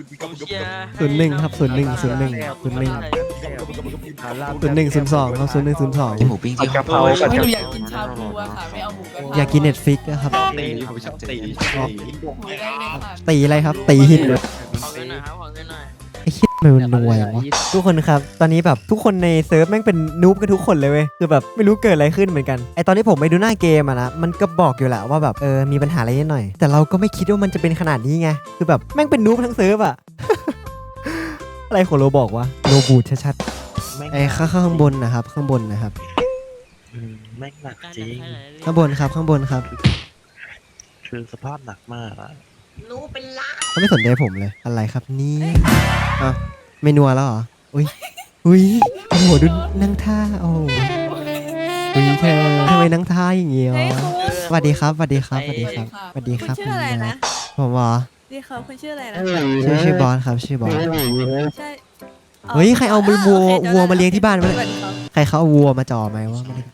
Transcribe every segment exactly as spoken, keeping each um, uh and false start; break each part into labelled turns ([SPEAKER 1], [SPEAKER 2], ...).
[SPEAKER 1] ศูนย์หนึ่งครับศูนย์หนึ่งศูนย์หนึ่งศูนย์หนึ่งศูนย์หนึ่งศูนย์สองครับศูนย์หนึ่งศูนย์สอง
[SPEAKER 2] หมูปิ้งที่
[SPEAKER 3] กะเพรา
[SPEAKER 4] ไม่
[SPEAKER 3] กับ
[SPEAKER 4] หนูอยากกินชาบูอะค่ะไม่เอาหมูกระทะ
[SPEAKER 1] อยากกินเน็ตฟิกนะครับ
[SPEAKER 3] ตีผมชอบตี
[SPEAKER 4] หมูได้เลยค่ะ
[SPEAKER 1] ตีอะไรครับ ตีหินเลย
[SPEAKER 5] ขอเงินหน่อยครับขอเงินหน่อย
[SPEAKER 1] ไอ้คิดมันรวยอย่างวะทุกคนครับ ตอนนี้แบบทุกคนในเซิร์ฟแม่งเป็นนูบกันทุกคนเลยเว้ยคือแบบไม่รู้เกิดอะไรขึ้นเหมือนกันไอตอนที่ผมไปดูหน้าเกมอะนะมันก็บอกอยู่แหละว่าแบบเออมีปัญหาอะไรนิดหน่อย แต่เราก็ไม่คิดว่ามันจะเป็นขนาดนี้ไงคือแบบแม่งเป็นนูบทั้งเซิร์ฟอะ อะไรของโรบอกว่าโรบูทชัดๆไอ้ข้างข้างบนนะครับข้างบนนะครับ
[SPEAKER 3] แม่งหนักจริง
[SPEAKER 1] ข้างบนครับข้างบนครับ
[SPEAKER 3] คือสภาพหนักมากอะ
[SPEAKER 6] รู้เป็นล้าน
[SPEAKER 1] เขาไม่สนใจผมเลยอะไรครับนี่อ้าวเมนัวแล้วเหรออุ้ยอุ้ยโอ้โหดูนั่งท่าโอ้โหอุ้ยเธอทำไมนั่งท่าอย่างเงี้ย
[SPEAKER 6] เฮ้ยคุณ
[SPEAKER 1] สวัสดีครับสวัสดีครับสวัสดีครับสวัสดีครับ
[SPEAKER 6] คุณชื่ออะไรนะ
[SPEAKER 1] ผมเหรอ
[SPEAKER 6] ดีครับคุณชื่ออะไรนะ
[SPEAKER 1] ชื่อชื่อบอสครับชื่อบอส
[SPEAKER 6] ใช่
[SPEAKER 1] เฮ้ยใครเอาวัว
[SPEAKER 6] โอเค
[SPEAKER 1] วัวมาเลี้ยงที่บ้านวะ
[SPEAKER 6] สวัสดีครับ
[SPEAKER 1] ใครเขาเอาวัวมาจ่อไหมว่าไม่ได้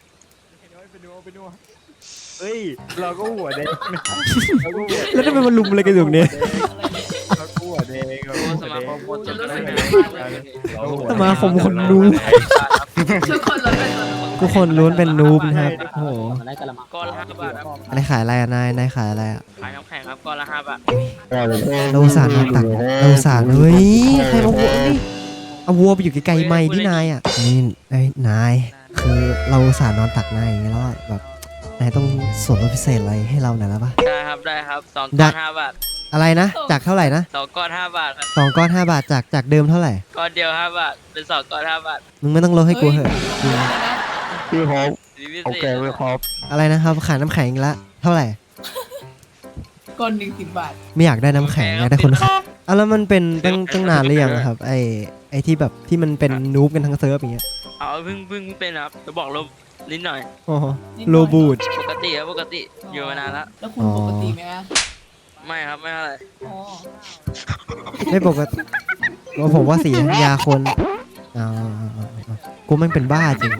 [SPEAKER 3] เฮ้ยเราก็หัวแดง
[SPEAKER 1] แล้วทำไมมันลุมอะไรกันอยู่เนี่ย
[SPEAKER 3] เราก็หัวแดงเรา
[SPEAKER 5] โอ้
[SPEAKER 3] ก็
[SPEAKER 5] ส
[SPEAKER 3] หัว
[SPEAKER 5] มา
[SPEAKER 3] แด
[SPEAKER 5] ค
[SPEAKER 3] ง
[SPEAKER 5] มคนจะรู้สึกไง
[SPEAKER 1] สมาคมคนนูบ
[SPEAKER 6] ทุกคนเราเป็น
[SPEAKER 1] ทุกคนล้วนเป็นนูบนะครับโอ้โห
[SPEAKER 5] ก้อนละห้าบาทครับ
[SPEAKER 1] อะไรขายอะไรอะนายนายขายอะไรอะ
[SPEAKER 5] ขายน้ำแข็งครับก้อนละห้าบาท
[SPEAKER 1] เราอุตสารมาตักเราอุตสารเฮ้ยใครเอาวัวนี่เอาวัวไปอยู่ไกลๆไม่ที่นายอ่ะนี่ไอ้ยนายคือเราอุตสารนอนตักนายอย่างเงี้ยแล้วอะแบบนายต้องส่วนลดพิเศษอะไรให้เราหน่อยแล้วปะ
[SPEAKER 5] ได้ครับได้ครับสอง
[SPEAKER 1] ได้
[SPEAKER 5] ก้อนห้าบาท
[SPEAKER 1] อะไรนะจากเท่าไหร่นะ
[SPEAKER 5] สองก้อนห้าบาทครับ
[SPEAKER 1] สองก้อนห้าบาทจากจากเดิมเท่าไหร่
[SPEAKER 5] ก้อนเดียวห้าบาทเป็นสองก้อนห้าบาท
[SPEAKER 1] มึงไม่ต้องลดให้กูเหอะ
[SPEAKER 3] พี่ฮอป
[SPEAKER 5] สีพิ
[SPEAKER 3] โอ
[SPEAKER 5] เศ
[SPEAKER 3] เค
[SPEAKER 5] ษ
[SPEAKER 3] พี่ฮอป
[SPEAKER 1] อะไรนะครับขายน้ำแข็งอีกละเท่าไหร่
[SPEAKER 4] ก้อนหนึ่งสิบบาท
[SPEAKER 1] ไม่อยากได้น้ำแข็งอยากได้คนขายอ่ะแล้วมันเป็นตั้งตั้งนานหรือยังอะครับไอไอที่แบบที่มันเป็นนูบกันทั้งเซิร์ฟอย่างเงี้ย
[SPEAKER 5] เอาเพิ่งเพิ่งเป็นครับจะบอกลบนิดหน่อย
[SPEAKER 1] โอ้โหโลบูด
[SPEAKER 5] ปกติครับปกติอยู่มานานแล้ว
[SPEAKER 4] แล้วคุณปกติไหมคะ
[SPEAKER 5] ไม่ครับไม่อะไร
[SPEAKER 4] อ๋อ
[SPEAKER 1] ไม่ปกติว่าผมว่าสียาคนอ๋อกูมันเป็นบ้าจริง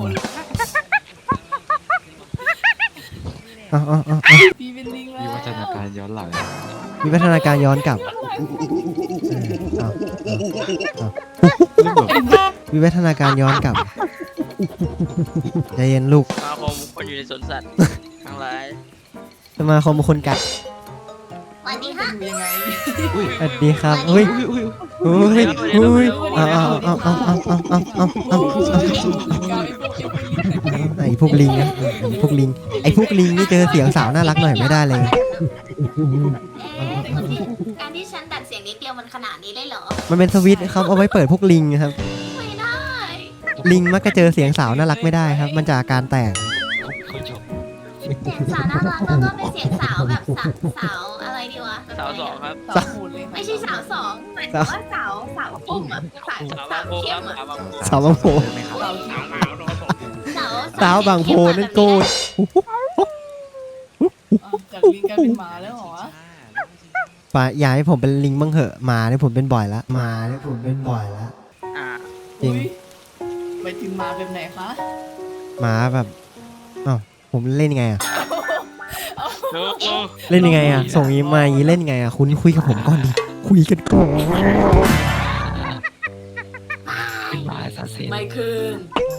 [SPEAKER 1] อ๋ออ๋ออ๋อ
[SPEAKER 4] พี่เป็นลิงแล้ว
[SPEAKER 2] วิวัฒนาการย้อนหลัง
[SPEAKER 1] มีพัฒนาการย้อนกลับอ้าววิวัฒนาการย้อนกลับใจเย็นลูก
[SPEAKER 5] สมาคมคนอยู่ในสวนสัตว์ทั้งหลาย
[SPEAKER 1] สมาคมคนกัด
[SPEAKER 6] สวัสดีค่ะ
[SPEAKER 4] ดูยังไง
[SPEAKER 1] สวัสดีครับเฮ้ยเฮ้ยเฮ้ยเอาเอาเอาเอาเอาเอาเอาเอาเอาไอพวกลิงนะไอพวกลิงไอพวกลิงนี่เจอเสียงสาวน่ารักหน่อยไม่ได้เลย
[SPEAKER 6] การที่ฉันดัดเสียงนิดเดียวมันขนาดนี้ได้เหรอ
[SPEAKER 1] มันเป็นสวิตช์ครับเอาไว้เปิดพวกลิงครับ
[SPEAKER 6] ไม่ได้
[SPEAKER 1] ลิงมักจะเจอเสียงสาวน่ารักไม่ได้ครับ มันจะอาการแตก
[SPEAKER 6] เสียงสาวน่ารักแล้วก็เป็นเสียงสาวแบบสาวสาวอะไรดีวะ
[SPEAKER 5] สาวสองครับ
[SPEAKER 4] สาวหูเลยค่ะ
[SPEAKER 6] ไม่ใช่สาวสองหมายถึงว่าสาวสาวปุ่มอะสาว
[SPEAKER 5] สาว
[SPEAKER 6] สา
[SPEAKER 5] บาง
[SPEAKER 6] ว
[SPEAKER 5] โพค
[SPEAKER 6] เข้
[SPEAKER 5] รับ
[SPEAKER 6] มอะ
[SPEAKER 5] สาวบางโพ
[SPEAKER 1] สาวบางโพ
[SPEAKER 4] เรา
[SPEAKER 6] สาว
[SPEAKER 1] สาวบางโพนั่นโกด
[SPEAKER 4] อ่ะจากลิงกลายเป็นหมาแล้วเหรอ
[SPEAKER 1] ป่าอยากให้ผมเป็นลิงบ้างเหอะหมาเนี่ยผมเป็นบ่อยละหมาเนี่ยผมเป็นบ่อยละ
[SPEAKER 5] อ่า
[SPEAKER 1] จริง
[SPEAKER 4] อุ๊ยไปถึงหมาแบบไหนคะ
[SPEAKER 1] หมาแบบอ้าวผมเล่นยังไงอะ
[SPEAKER 5] โอ้โห
[SPEAKER 1] เล่นยังไงอะส่งอีมาอย่างนี้เล่นยังไงอะคุณคุยกับผมก่อนดิคุยกันก่อน
[SPEAKER 2] เป็นหมาซาเซน
[SPEAKER 4] ไม่ขึ้น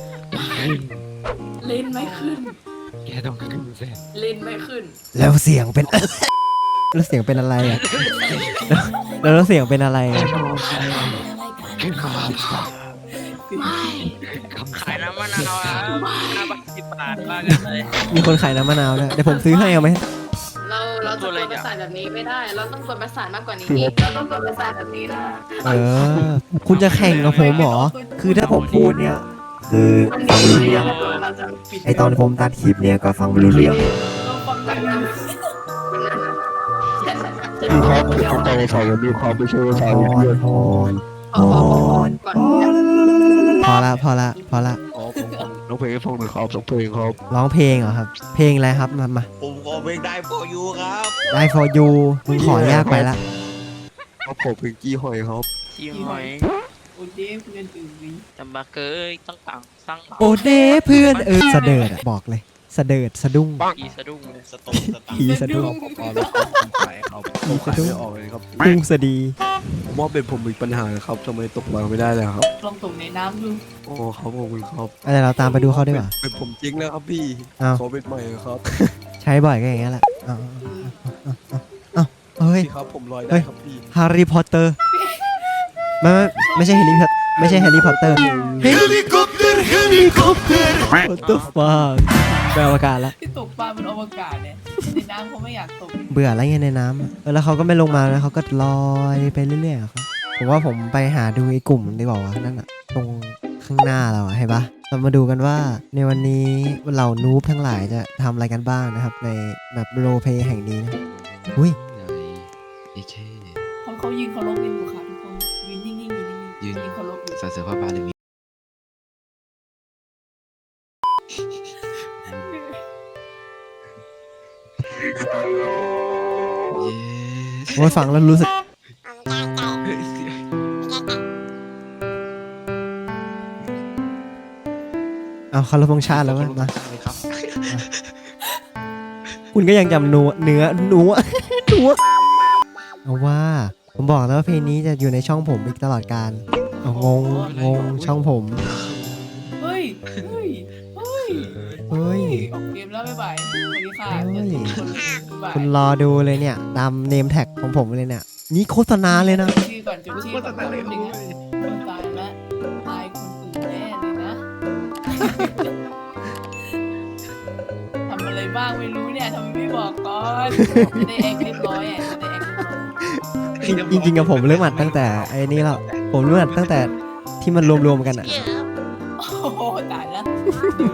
[SPEAKER 4] เล่นไม่ขึ้น
[SPEAKER 2] แกต้องขึ้นเส้น
[SPEAKER 4] เล่นไม่ขึ้น
[SPEAKER 1] แล้วเสียงเป็น แล้วเสียงเป็นอะไรอะแล้วแล้วเสียงเป็นอะไรอะ
[SPEAKER 2] ขึ้นมา
[SPEAKER 4] ไม่
[SPEAKER 2] คำ
[SPEAKER 5] ขาย
[SPEAKER 2] สั่ง
[SPEAKER 5] น้ำมะนาวอ่ะห้าบาทสิบบาทบ้ากันเลย
[SPEAKER 1] มีคนขายน้ำมะนาวด้วยเดี๋ยวผมซื้อให้เอาไหม
[SPEAKER 6] เราเราจะกดประสาทแบบนี้ไม่ได้ เราต้องกดประสาทมากกว่านี้อีกเราต้องกดประสาทแบบนี้นะ
[SPEAKER 1] เออ คุณจะแข่งกับผมเหรอ คือถ้าผมพูดเนี่ย คือฟังไม่รู้เรื่อง
[SPEAKER 4] เราจะปิด
[SPEAKER 1] ไอตอนผมตัดคลิปเนี่ยก็ฟังไม่รู้เรื่อง
[SPEAKER 4] เราฟังแบบนั้น
[SPEAKER 3] พี่ฮอปเขาใจใส่กับมีความไม่ใช่ว่าใส่
[SPEAKER 1] พ
[SPEAKER 3] เพื่
[SPEAKER 1] ร
[SPEAKER 3] อน
[SPEAKER 1] พร
[SPEAKER 6] ขอขอขอขอก่อน
[SPEAKER 1] พอละพอละพอละ
[SPEAKER 3] อ๋อผมน้องเพลงให้ฟังหนึ่งครับสองเพลงครับ
[SPEAKER 1] ร้องเพลงเหรอครับ เพลงอะไรครับมามา
[SPEAKER 7] ผมขอเพลงได้ for you ครับ
[SPEAKER 1] ได้ for you มึงขอยากไปละ
[SPEAKER 3] ครับผมเพลงกี้หอยครับ
[SPEAKER 5] ชิมหอย
[SPEAKER 4] โอเดฟเพื่อนอื่นวิ
[SPEAKER 5] จำบาเกยต้องต่างสร้าง
[SPEAKER 1] โอเดเพื่อนเออเสดิร์ดอะบอกเลยสะเดิดสะดุ้ง
[SPEAKER 5] อีสะดุ้งเลย
[SPEAKER 7] สตงสตาร์
[SPEAKER 1] ผีสะดุ้ง
[SPEAKER 3] พอแล้วครับผมขายครับผมขายไม่ออกเลยครับ
[SPEAKER 1] พุ่งสะดี
[SPEAKER 3] ผมว่าเป็นผมมีปัญหาครับทำไมตกปลาไม่ได้เลยครับ
[SPEAKER 4] ลองตกในน้ำดู
[SPEAKER 3] โอ้ครับขอบคุณครับ
[SPEAKER 1] อะไรเราตามไปดูเขาดีกว่า
[SPEAKER 3] เป็นผมจริงแล้วครับพี่
[SPEAKER 1] อ้าว
[SPEAKER 3] ขอเป็นใหม่ครับ
[SPEAKER 1] ใช้บ่อยก็อย่างเงี้ยแหละเอ้าเอ้าเอ้าเอ้าเอ้าเฮ้ย
[SPEAKER 3] พี่ครับผมลอย
[SPEAKER 1] เฮ้
[SPEAKER 3] ได้
[SPEAKER 1] ย
[SPEAKER 3] ครับพี่
[SPEAKER 1] แฮร์รี่พอตเตอร์ไม่ไม่ไม่ใช่แฮร์รี่พอตไม่ใช่แฮร์รี่พอตเตอร์เฮลิคอปเตอร์เฮลิคอปเตอร์ What the fuck ไปอวกาศละ
[SPEAKER 4] ที่ตกปลาบนอวกาศเนี่ยในน้ำเขาไม่อยากตก
[SPEAKER 1] เบื่ออะไรเงี้ยในน้ำอะเออแล้วเขาก็ไม่ลงมาแล้วเขาก็ลอยไปเรื่อยๆอะครับผมว่าผมไปหาดูไอ้กลุ่มดีกว่าวะนั่นอะตรงข้างหน้าเราอะเห็นปะเรามาดูกันว่าในวันนี้เหล่านูบทั้งหลายจะทำอะไรกันบ้างนะครับ ในแบบโรลเพลย์แห่งนี้นะอุ้ย
[SPEAKER 2] ไอ้เช่
[SPEAKER 4] เขาเขายืนเคารพกันอยู่ค่ะทุกคนยืนนิ่งๆยืนนิ่งๆยืนเคารพอยู่
[SPEAKER 2] สาเสือผ้าบาลีเย้
[SPEAKER 1] โอ้ยฟังแล้วรู้สึกเอาคาร์บงชาติแล้วมั้ยมา
[SPEAKER 2] เลยครับ
[SPEAKER 1] คุณก็ยังจำนัวเนื้อนัว นัวเอาว่าผมบอกแล้วว่าเพลงนี้จะอยู่ในช่องผมอีกตลอดการเอางงงงช่องผม
[SPEAKER 4] เฮ้ยเฮ้ยเฮ้ย
[SPEAKER 1] เฮ้ย
[SPEAKER 4] ออกเกมแล้วบ๊ายบายสวัสดีค่ะ
[SPEAKER 1] เฮ้ย
[SPEAKER 4] บ๊ายบาย
[SPEAKER 1] คุณรอดูเลยเนี่ยตามเนมแท็กของผมเลยเนี่ยนี่โฆษณาเลยนะ
[SPEAKER 4] ชื่อก่อนจุดชื่อก่อนแป๊บนึงนะคนตายละตายคนอื่นแน่เลยนะ ทำอะไรบ้างไม่รู้เนี่ยทำไมไม่บอกก่อนจะได้แอคเรียบร้อยอ่ะจะได้แอคเรียบร้อย
[SPEAKER 1] จริงๆกับผมเริ่มอัดตั้งแต่ไอ้นี่แล้วผมเริ่มอัดตั้งแต่ที่มันรวมๆกันอ่ะ
[SPEAKER 4] โอ้โหตายละดู